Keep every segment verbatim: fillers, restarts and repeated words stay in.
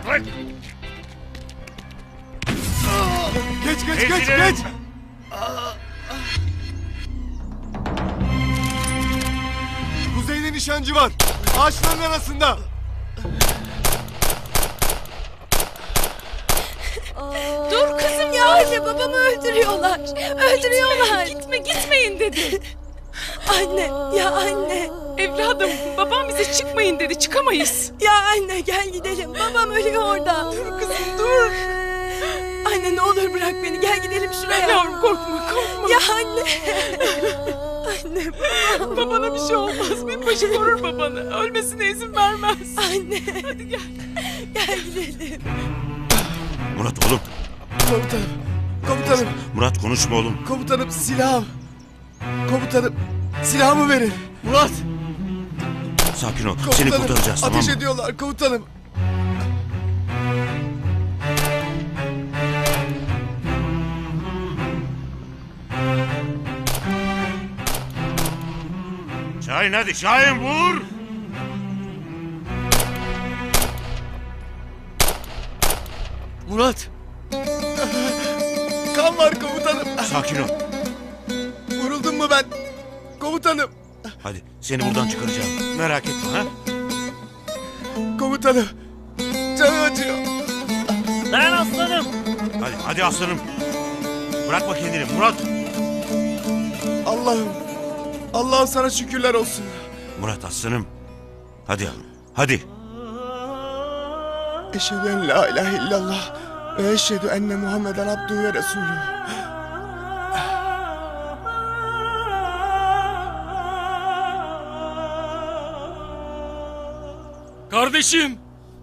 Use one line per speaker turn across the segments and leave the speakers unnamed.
Bırak.
Geç geç geç
Ezgilerim.
geç. Kuzeyde nişancı var. Ağaçların arasında.
Dur kızım ya, anne babamı öldürüyorlar. Öldürüyorlar. Gitme gitmeyin dedi. Anne ya anne.
Evladım, babam bize çıkmayın dedi, çıkamayız.
Ya anne gel gidelim. Babam ölüyor orada.
Dur kızım, dur.
Anne ne olur bırak beni, gel gidelim şuraya.
Yavrum korkma, korkma.
Ya anne. Anne babam.
Babana bir şey olmaz, binbaşı korur babanı. Ölmesine izin vermez.
Anne.
Hadi gel.
Gel gidelim.
Murat oğlum.
Komutanım. Komutanım.
Murat konuşma oğlum.
Komutanım silahım. Komutanım silahımı verin. Murat.
Sakin ol.
Komutanım.
Seni kurtaracağız, tamam
Ateş
mı?
ediyorlar komutanım.
Şahin hadi, Şahin vur.
Murat. Kan var komutanım.
Sakin ol.
Vuruldum mu ben? Komutanım.
Hadi seni buradan çıkaracağım. Merak etme ha.
Komutanım. Canım acıyor.
Ben aslanım.
Hadi hadi aslanım. Bırakma kendini Murat.
Allah'ım. Allah'ım sana şükürler olsun.
Murat aslanım. Hadi yavrum. Hadi.
Eşhedü en la ilahe illallah ve eşhedü enne Muhammeden abdühü ve resulü.
Kardeşim.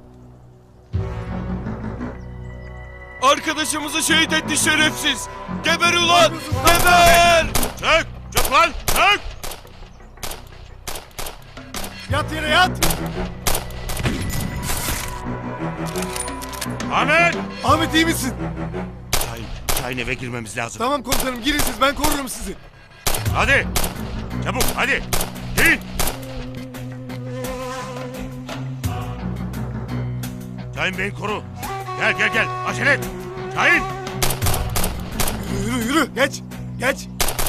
Arkadaşımızı şehit etti şerefsiz. Geber ulan. Geber.
Çök. Çök lan. Çök.
Yat yere yat.
Ahmet.
Ahmet iyi misin?
Şahin. Şahin eve girmemiz lazım.
Tamam komutanım girin siz, ben korurum sizi.
Hadi. Çabuk hadi. Girin. Şahin beni koru. Gel gel gel. Acele et. Şahin.
Yürü yürü yürü, geç geç.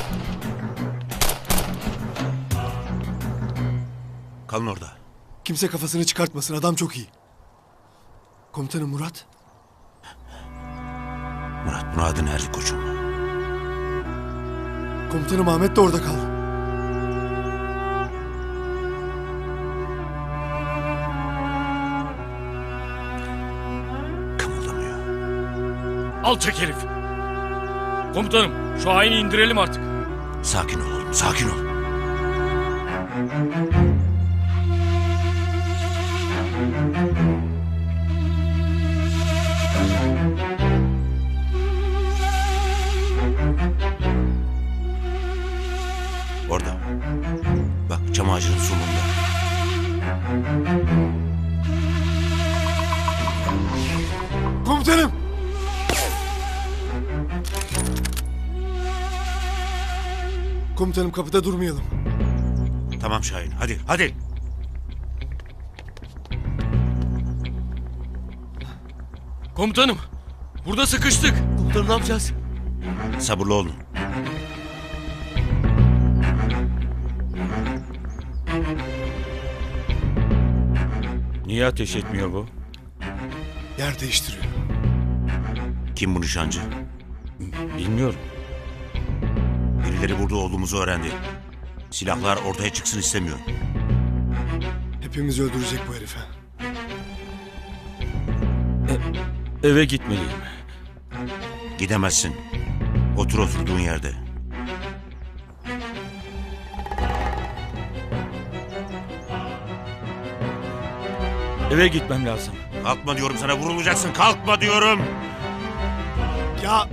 Kalın orada.
Kimse kafasını çıkartmasın, adam çok iyi. Komutanım Murat.
Murat Murad'ın erdi koçum.
Komutanım Ahmet de orada kaldı.
Kımıldamıyor.
Alçak herif. Komutanım şu haini indirelim artık.
Sakin ol oğlum, sakin ol. Orada. Bak çam ağacının sonunda.
Komutanım. Komutanım kapıda durmayalım.
Tamam Şahin, hadi, hadi.
Komutanım burada sıkıştık. Komutanım ne yapacağız?
Sabırlı olun.
Niye ateş etmiyor bu?
Yer değiştiriyor.
Kim bu nişancı?
Bilmiyorum.
Birileri burada olduğumuzu öğrendi. Silahlar ortaya çıksın istemiyor.
Hepimizi öldürecek bu herif. ha.
Eve gitmeliyim.
Gidemezsin. Otur oturduğun yerde.
Eve gitmem lazım.
Kalkma diyorum sana, vurulacaksın. Kalkma diyorum.
Ya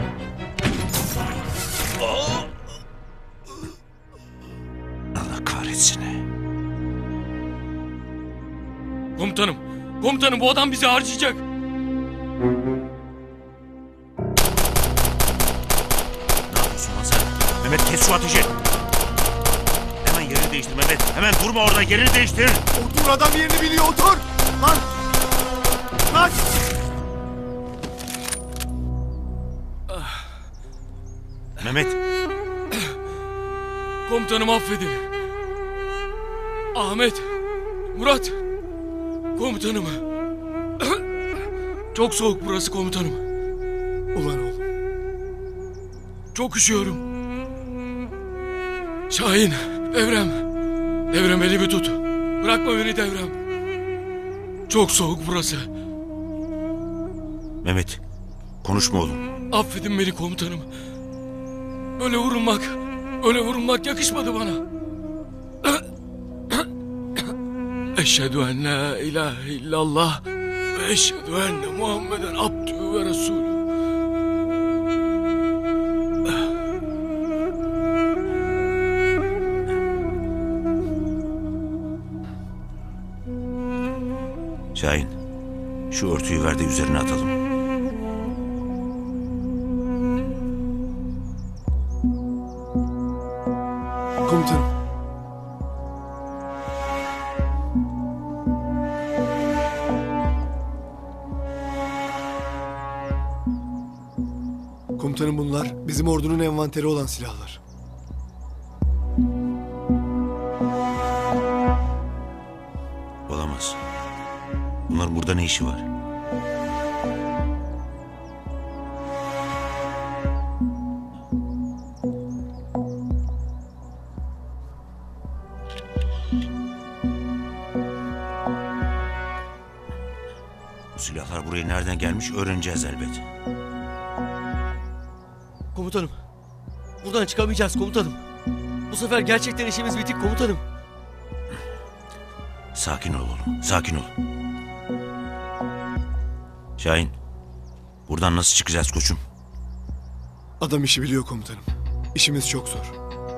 Allah kahretsin.
Komutanım. Komutanım bu adam bizi harcayacak.
Ne yapıyorsun lan sen? Mehmet kes şu ateşi. Hemen yerini değiştir Mehmet. Hemen durma orada, yerini değiştir.
otur, adam yerini biliyor, otur. Lan. Kaç.
Mehmet,
Komutanım affedin. Ahmet, Murat. Komutanım. Çok soğuk burası komutanım.
Ulan oğlum.
Çok üşüyorum. Şahin, Devrem. Devrem elimi tut. Bırakma beni Devrem. Çok soğuk burası.
Mehmet. Konuşma oğlum.
Affedin beni komutanım. Öyle vurulmak, öyle vurulmak yakışmadı bana. Eşhedü en la ilahe illallah ve eşhedü enne Muhammeden abdühü ve resulü.
Şahin, şu örtüyü ver de üzerine atalım.
Komutanım. Komutanım bunlar bizim ordunun envanteri olan silahlar.
Olamaz. Bunların burada ne işi var? Bu silahlar buraya nereden gelmiş öğreneceğiz elbet.
Komutanım. Buradan çıkamayacağız komutanım. Bu sefer gerçekten işimiz bitik komutanım.
Sakin ol oğlum, sakin ol. Şahin, buradan nasıl çıkacağız koçum?
Adam işi biliyor komutanım. İşimiz çok zor.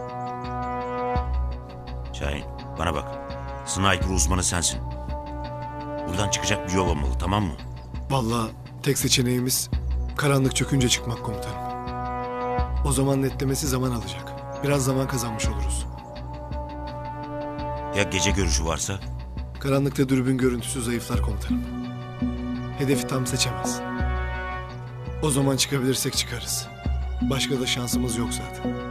Şahin, bana bak. Sniper uzmanı sensin. Buradan çıkacak bir yol olmalı, tamam mı?
Vallahi tek seçeneğimiz karanlık çökünce çıkmak komutanım. O zaman netlemesi zaman alacak. Biraz zaman kazanmış oluruz.
Ya gece görüşü varsa?
Karanlıkta dürbün görüntüsü zayıflar komutanım. Hedefi tam seçemez. O zaman çıkabilirsek çıkarız. Başka da şansımız yok zaten.